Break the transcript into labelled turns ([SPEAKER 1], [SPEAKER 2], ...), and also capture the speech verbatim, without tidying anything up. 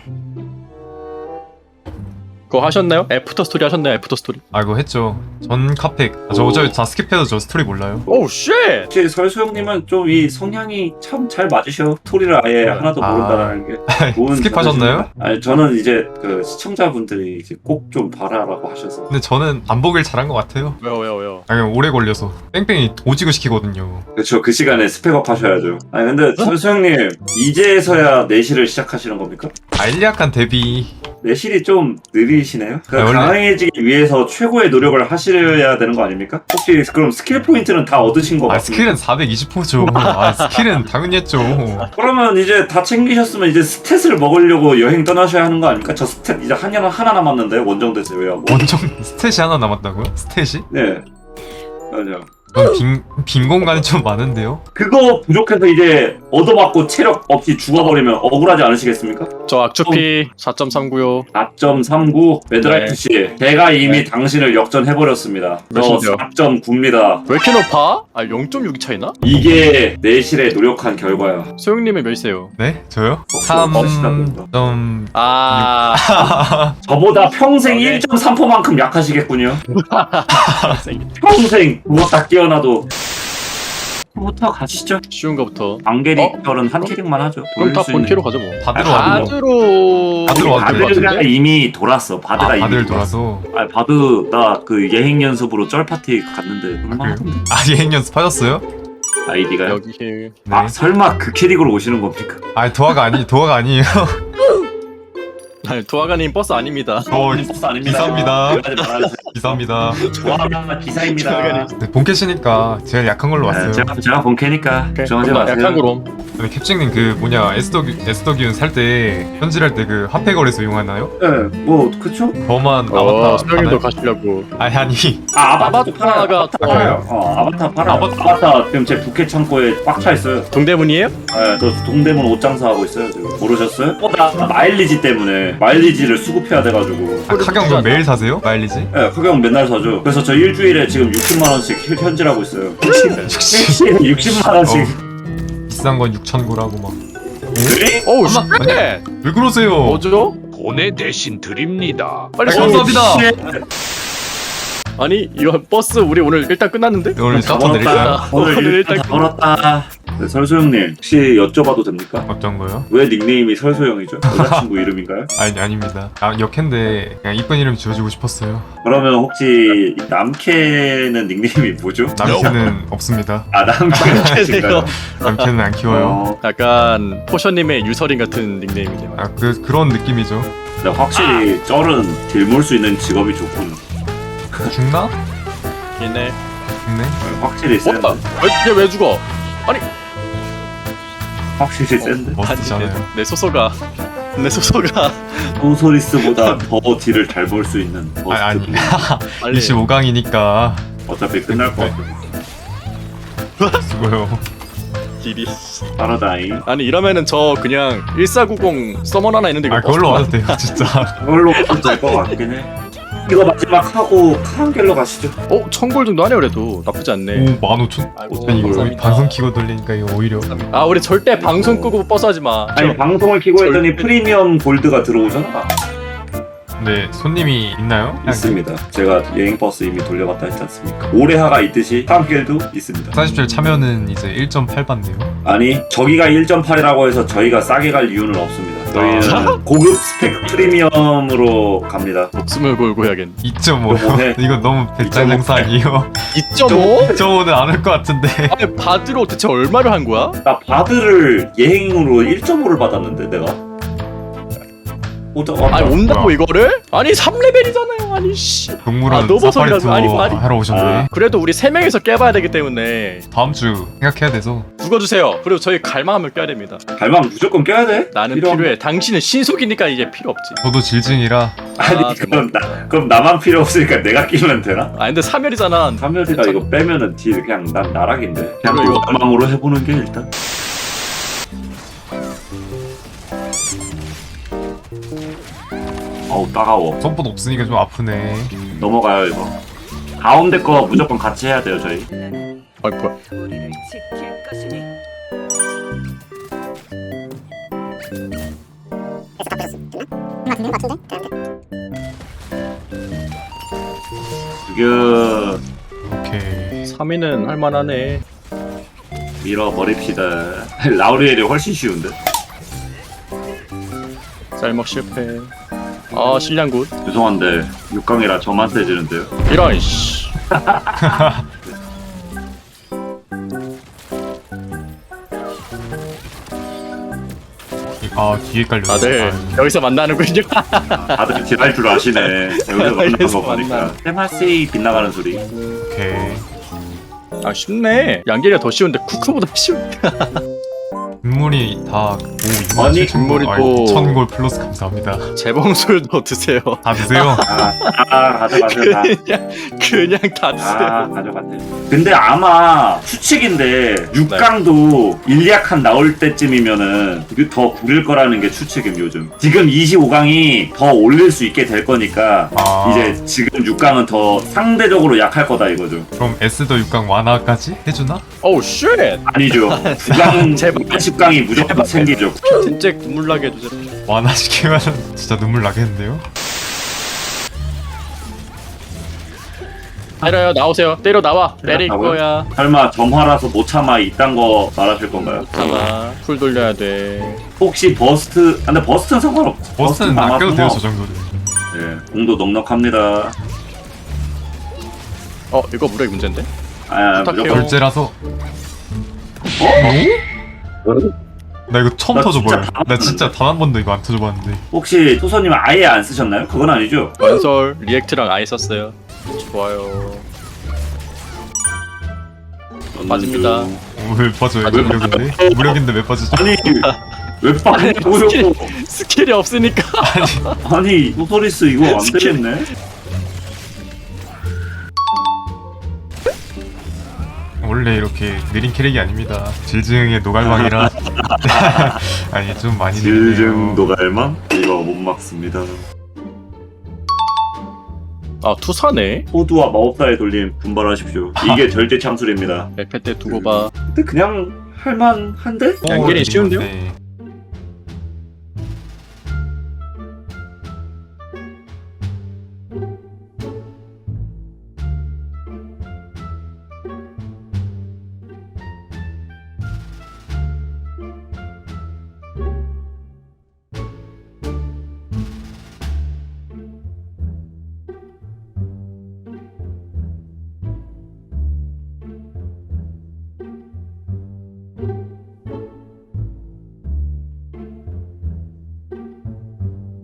[SPEAKER 1] 그거 하셨나요? 애프터 스토리 하셨나요? 애프터 스토리?
[SPEAKER 2] 아 이거 했죠. 전 카팩. 아, 저 어차피 다 스킵해서 저 스토리 몰라요.
[SPEAKER 1] 오우 쉣!
[SPEAKER 3] 혹시 설수영님은 좀 이 성향이 참 잘 맞으셔. 스토리를 아예 하나도
[SPEAKER 2] 아.
[SPEAKER 3] 모른다는 게 좋은
[SPEAKER 2] 스킵하셨나요?
[SPEAKER 3] 자세입니다. 아니 저는 이제 그 시청자분들이 이제 꼭 좀 봐라라고 하셔서.
[SPEAKER 2] 근데 저는 반복을 잘한 것 같아요.
[SPEAKER 1] 왜요 왜요 왜요?
[SPEAKER 2] 아 그냥 오래 걸려서 뺑뺑이 오지고 시키거든요.
[SPEAKER 3] 그렇죠. 그 시간에 스펙업 하셔야죠. 아니 근데 설수영님 이제서야 내실을 시작하시는 겁니까?
[SPEAKER 2] 알약한 데뷔.
[SPEAKER 3] 내실이 좀 느리시네요. 그
[SPEAKER 2] 아, 원래-
[SPEAKER 3] 강해지기 위해서 최고의 노력을 하셔야 되는 거 아닙니까? 혹시 그럼 스킬 포인트는 다 얻으신 거
[SPEAKER 2] 아
[SPEAKER 3] 같습니까?
[SPEAKER 2] 스킬은 사백이십 호죠. 아 스킬은 당연히 했죠.
[SPEAKER 3] 그러면 이제 다 챙기셨으면 이제 스탯을 먹으려고 여행 떠나셔야 하는 거 아닙니까? 저 스탯 이제 한 년 하나 남았는데 원정대 제외하고.
[SPEAKER 2] 원정 스탯이 하나 남았다고요? 스탯이?
[SPEAKER 3] 네. 맞아.
[SPEAKER 2] 전 빈, 빈 공간이 좀 많은데요?
[SPEAKER 3] 그거 부족해서 이제 얻어맞고 체력 없이 죽어버리면 억울하지 않으시겠습니까?
[SPEAKER 1] 저 악주피 사 점 삼구요.
[SPEAKER 3] 사 점 삼구 매드라이트
[SPEAKER 1] 네.
[SPEAKER 3] 씨, 제가 이미
[SPEAKER 1] 네.
[SPEAKER 3] 당신을 역전해버렸습니다. 저
[SPEAKER 1] 몇인데요?
[SPEAKER 3] 사 점 구입니다.
[SPEAKER 1] 왜 이렇게 높아? 아 영 점 육이 차이나?
[SPEAKER 3] 이게 내실에 노력한 결과야.
[SPEAKER 1] 소영님은 몇이세요?
[SPEAKER 2] 네? 저요?
[SPEAKER 3] 멋있다 보인다.
[SPEAKER 2] 삼 점...
[SPEAKER 1] 아...
[SPEAKER 3] 저보다 평생
[SPEAKER 1] 오케이.
[SPEAKER 3] 일 점 삼 퍼센트만큼 약하시겠군요. 평생 누웠다 깨어나도. 부터 가시죠.
[SPEAKER 1] 쉬운 거부터.
[SPEAKER 3] 안개리철은 한 캐릭만 하죠.
[SPEAKER 1] 그럼 다
[SPEAKER 3] 돌릴 수 있는.
[SPEAKER 1] 본캐로 가죠 뭐.
[SPEAKER 2] 바드로
[SPEAKER 3] 아,
[SPEAKER 2] 와도
[SPEAKER 1] 바드로...
[SPEAKER 2] 바드로 와도 될것
[SPEAKER 3] 바드가
[SPEAKER 1] 같은데?
[SPEAKER 3] 이미 돌았어. 바드가
[SPEAKER 2] 아
[SPEAKER 3] 이미
[SPEAKER 2] 바들
[SPEAKER 3] 돌았어.
[SPEAKER 2] 돌아서
[SPEAKER 3] 아 바드 나 그 예행 연습으로 쩔 파티 갔는데 얼마나
[SPEAKER 2] 그래요? 아 예행 연습하셨어요?
[SPEAKER 3] 아이디가요?
[SPEAKER 1] 여기 힐.
[SPEAKER 2] 네.
[SPEAKER 3] 아 설마 그 캐릭으로 오시는 겁니까?
[SPEAKER 2] 아 도화가 아니 도화가 아니에요.
[SPEAKER 1] 아니 도화가님 버스 아닙니다.
[SPEAKER 2] 어
[SPEAKER 3] 버스 아닙니다.
[SPEAKER 2] 기사입니다.
[SPEAKER 3] 그러지 말아주세요.
[SPEAKER 2] 감사합니다.
[SPEAKER 3] 좋아하는 기사입니다.
[SPEAKER 2] 네, 본캐시니까 제가 약한 걸로 왔어요.
[SPEAKER 3] 네, 제가 제가 본캐니까 걱정하지
[SPEAKER 1] 그럼 나
[SPEAKER 3] 마세요.
[SPEAKER 1] 약한 그럼.
[SPEAKER 2] 근데 캡증님 그 뭐냐 에스더기 에스더기운 살 때 현질할 때 그 핫팩거리에서 이용하나요?
[SPEAKER 3] 네, 뭐 그쵸?
[SPEAKER 2] 저만
[SPEAKER 1] 어,
[SPEAKER 2] 아바타
[SPEAKER 1] 소영님도
[SPEAKER 2] 하나요?
[SPEAKER 1] 가시려고.
[SPEAKER 2] 아니 아니
[SPEAKER 3] 아 아바타
[SPEAKER 1] 아바타가
[SPEAKER 3] 팔아요. 아바타 팔아요. 어 아바타 팔아요.
[SPEAKER 2] 아바타.
[SPEAKER 3] 아바타 지금 제 부캐 창고에 꽉 차 있어요.
[SPEAKER 1] 동대문이에요?
[SPEAKER 3] 네, 저 동대문 옷 장사하고 있어요 지금. 모르셨어요? 어, 나 마일리지 때문에 마일리지를 수급해야 돼가지고.
[SPEAKER 2] 아, 카경 좀 매일 사세요? 마일리지?
[SPEAKER 3] 네, 가격 맨날 사죠. 그래서 저 일주일에 지금 육십만 원씩 현- 현질하고 있어요.
[SPEAKER 2] 육십.
[SPEAKER 3] 일주일에 육십만 원씩.
[SPEAKER 2] 비싼 건 육천 구라고 막.
[SPEAKER 3] 네?
[SPEAKER 1] 어우
[SPEAKER 2] 아마-
[SPEAKER 1] 쉣!
[SPEAKER 2] 왜 그러세요?
[SPEAKER 1] 뭐죠?
[SPEAKER 4] 보내 대신 드립니다.
[SPEAKER 1] 빨리
[SPEAKER 2] 아,
[SPEAKER 1] 써.
[SPEAKER 2] 감사합니다.
[SPEAKER 1] 아니 이거 버스 우리 오늘 일단 끝났는데?
[SPEAKER 2] 네, 오늘 셔터 내릴까요?
[SPEAKER 3] 오늘
[SPEAKER 1] 오늘
[SPEAKER 3] 일단
[SPEAKER 1] 일단
[SPEAKER 3] 다 벌었다. 네, 설소영님 혹시 여쭤봐도 됩니까?
[SPEAKER 2] 어떤 거요?
[SPEAKER 3] 왜 닉네임이 설소영이죠? 여자친구 이름인가요?
[SPEAKER 2] 아니 아닙니다. 아 역캔데 그냥 이쁜 이름 지어주고 싶었어요.
[SPEAKER 3] 그러면 혹시 남캐는 닉네임이 뭐죠?
[SPEAKER 2] 남캐는 없습니다.
[SPEAKER 3] 아 남캐는 아신가요?
[SPEAKER 2] 남캐는 안 키워요.
[SPEAKER 3] 어,
[SPEAKER 1] 약간 포션님의 유서린 같은 닉네임이네요.
[SPEAKER 2] 아 그 그런 느낌이죠.
[SPEAKER 3] 근데 확실히 쩔은 딜몰 수 있는 직업이 좋군.
[SPEAKER 2] 죽나?
[SPEAKER 1] 얘네.
[SPEAKER 2] 죽네.
[SPEAKER 3] 확실히 센데.
[SPEAKER 1] 뭐야? 왜, 얘왜 죽어? 아니
[SPEAKER 3] 확실히 센데.
[SPEAKER 2] 멋지잖아요.
[SPEAKER 1] 내, 내 소소가 내 소소가
[SPEAKER 3] 소소리스보다 더 딜을 잘 볼 수 있는 버스트.
[SPEAKER 2] 아, 아니
[SPEAKER 1] 빨리
[SPEAKER 2] 이십오 강이니까
[SPEAKER 3] 어차피 끝날 것 같아.
[SPEAKER 2] 수고요.
[SPEAKER 1] 딜이.
[SPEAKER 3] 파라다임.
[SPEAKER 1] 아니 이러면은 저 그냥 일사구공 서먼 하나 있는데 이거
[SPEAKER 2] 아 그걸로
[SPEAKER 1] 버스
[SPEAKER 2] 와도 돼요 진짜.
[SPEAKER 3] 그걸로 될것 같긴 해. 이거 마지막 하고 카운겔로 가시죠.
[SPEAKER 1] 어? 천골 정도 하네 그래도 나쁘지 않네.
[SPEAKER 2] 오 만 오천.
[SPEAKER 1] 아이고,
[SPEAKER 2] 아니 이거
[SPEAKER 1] 감사합니다.
[SPEAKER 2] 방송 키고 돌리니까 이거 오히려.
[SPEAKER 1] 아 우리 절대 방송 끄고 버스 하지 마.
[SPEAKER 3] 아니 방송을 키고 했더니
[SPEAKER 1] 절대-
[SPEAKER 3] 프리미엄 골드가 들어오잖아.
[SPEAKER 2] 네 손님이 있나요?
[SPEAKER 3] 있습니다. 제가 여행 버스 이미 돌려봤다 했지 않습니까? 올해하가 있듯이 카운겔도 있습니다.
[SPEAKER 2] 사십 줄 차면은 이제 일 점 팔 받네요.
[SPEAKER 3] 아니 저기가 일 점 팔이라고 해서 저희가 싸게 갈 이유는 없습니다. 저희는 고급 스펙 프리미엄으로 갑니다.
[SPEAKER 1] 목숨을 걸고 해야겠네.
[SPEAKER 2] 이 점 오.
[SPEAKER 3] 이거 뭐해?
[SPEAKER 2] 이거 너무 배짱 장사 아니에요?
[SPEAKER 1] 이 점 오?
[SPEAKER 2] 이 점 오는 안 올 것 같은데.
[SPEAKER 1] 아니 바드로 대체 얼마를 한 거야?
[SPEAKER 3] 나 바드를 예행으로 일 점 오를 받았는데 내가. 오자, 어,
[SPEAKER 1] 아니 온다고
[SPEAKER 2] 뭐야.
[SPEAKER 1] 이거를? 아니 삼 레벨이잖아요. 아니 씨.
[SPEAKER 2] 동물원
[SPEAKER 1] 아, 너무
[SPEAKER 2] 사파리
[SPEAKER 1] 소리라고.
[SPEAKER 2] 투어
[SPEAKER 1] 아니, 아니.
[SPEAKER 2] 하러 오셨네.
[SPEAKER 3] 아.
[SPEAKER 1] 그래도 우리 세 명이서 깨봐야 되기 때문에
[SPEAKER 2] 다음 주 생각해야 돼서.
[SPEAKER 1] 죽어주세요. 그리고 저희 갈망하면 껴야 됩니다.
[SPEAKER 3] 갈망 무조건 껴야 돼.
[SPEAKER 1] 나는
[SPEAKER 3] 필요한-
[SPEAKER 1] 필요해. 당신은 신속이니까 이제 필요 없지.
[SPEAKER 2] 저도 질증이라.
[SPEAKER 3] 아니
[SPEAKER 1] 아,
[SPEAKER 3] 그럼 나 그럼 나만 필요 없으니까 내가 끼면 되나?
[SPEAKER 1] 아 근데 삼열이잖아.
[SPEAKER 3] 삼열이가 이거 빼면은 딜 그냥 난 나락인데. 그냥
[SPEAKER 1] 그래, 이거
[SPEAKER 3] 노가망으로 해보는 게 일단. 어우 따가워.
[SPEAKER 2] 손보다 없으니까 좀 아프네.
[SPEAKER 3] 넘어가요 이거. 가운데 거 무조건 같이 해야 돼요 저희.
[SPEAKER 1] 아이 뭐야?
[SPEAKER 5] 우리를 지킬 것이니
[SPEAKER 3] 죽여.
[SPEAKER 2] 오케이.
[SPEAKER 1] 삼 위는 할만하네.
[SPEAKER 3] 밀어버립시다. 라우리엘이 훨씬 쉬운데?
[SPEAKER 1] 쌀먹 실패. 아 실량 굿.
[SPEAKER 3] 죄송한데 육 강이라 저만 세지는데요.
[SPEAKER 1] 이런 씨.
[SPEAKER 2] 아 뒤에 깔려.
[SPEAKER 1] 다들 여기서 만나는군요.
[SPEAKER 3] 아, 다들 딜할 줄 아시네. 여기서 만난 거 보니까. 테마세이 빗나가는 소리.
[SPEAKER 2] 오케이.
[SPEAKER 1] 아 쉽네. 양계리가 더 쉬운데 쿠크보다 쉬운데.
[SPEAKER 2] 인물이 다 오,
[SPEAKER 3] 아니,
[SPEAKER 1] 인물이 또-
[SPEAKER 2] 천골 플러스 감사합니다.
[SPEAKER 1] 재봉술도 드세요.
[SPEAKER 2] 다 드세요.
[SPEAKER 3] 아, 아 가져가세요 다.
[SPEAKER 1] 그냥 그냥 다 드세요.
[SPEAKER 3] 아 가져갔네. 근데 아마 추측인데 육 강도 일리약한 나올 때쯤이면은 이게 더 구릴 거라는 게 추측임 요즘. 지금 이십오 강이 더 올릴 수 있게 될 거니까
[SPEAKER 2] 아.
[SPEAKER 3] 이제 지금 육 강은 더 상대적으로 약할 거다 이거죠.
[SPEAKER 2] 그럼 에스더 육 강 완화까지 해주나?
[SPEAKER 1] 오우 쉣.
[SPEAKER 3] 아니죠. 구 강,
[SPEAKER 1] 제발.
[SPEAKER 3] 십 강이 무조건 생기죠.
[SPEAKER 1] 진짜 눈물 나게 해주세요.
[SPEAKER 2] 완화시키면 진짜 눈물 나겠는데요?
[SPEAKER 1] 때려요 나오세요. 때려 나와. 때릴
[SPEAKER 3] 때렸다고요?
[SPEAKER 1] 거야.
[SPEAKER 3] 설마 점화라서 못 참아 이딴 거 말하실 건가요?
[SPEAKER 1] 잠깐 풀 돌려야 돼.
[SPEAKER 3] 혹시 버스트? 아, 근데 버스트는 상관없.
[SPEAKER 2] 버스는
[SPEAKER 3] 아마
[SPEAKER 2] 아껴도 돼요 저
[SPEAKER 3] 상관없-
[SPEAKER 2] 정도는.
[SPEAKER 3] 예, 공도 넉넉합니다.
[SPEAKER 1] 어 이거 무력이 문제인데?
[SPEAKER 3] 아,
[SPEAKER 1] 부탁해요.
[SPEAKER 3] 무조건.
[SPEAKER 2] 결제라서.
[SPEAKER 3] 어?
[SPEAKER 2] 나 이거 처음
[SPEAKER 3] 나
[SPEAKER 2] 터져봐요.
[SPEAKER 3] 진짜 다
[SPEAKER 2] 나 진짜 단 한 번도 이거 안 터져봤는데.
[SPEAKER 3] 혹시 토소님 아예 안 쓰셨나요? 그건 아니죠?
[SPEAKER 1] 원설 리액트랑 아예 썼어요. 좋아요. 맞습니다.
[SPEAKER 3] 음,
[SPEAKER 2] 어, 왜 빠져요?
[SPEAKER 1] 아, 왜
[SPEAKER 2] 무력인데? 무력인데 왜 빠지죠?
[SPEAKER 3] 아니 왜 빠냐고요?
[SPEAKER 1] 스킬, 스킬이 없으니까.
[SPEAKER 3] 아니 토소리스 이거 안 되겠네.
[SPEAKER 2] 원래 이렇게 느린 캐릭이 아닙니다. 질증의 노갈망이라. 아니 좀 많이 느리네요.
[SPEAKER 3] 질증 노갈망? 이거 못 막습니다.
[SPEAKER 1] 아 투사네.
[SPEAKER 3] 호두와 마법사의 돌림 분발하십시오. 이게 절대 참술입니다.
[SPEAKER 1] 맵패 때 두고 봐.
[SPEAKER 3] 근데 그냥 할만한데?
[SPEAKER 2] 어,
[SPEAKER 1] 양길이 쉬운데요?
[SPEAKER 2] 네.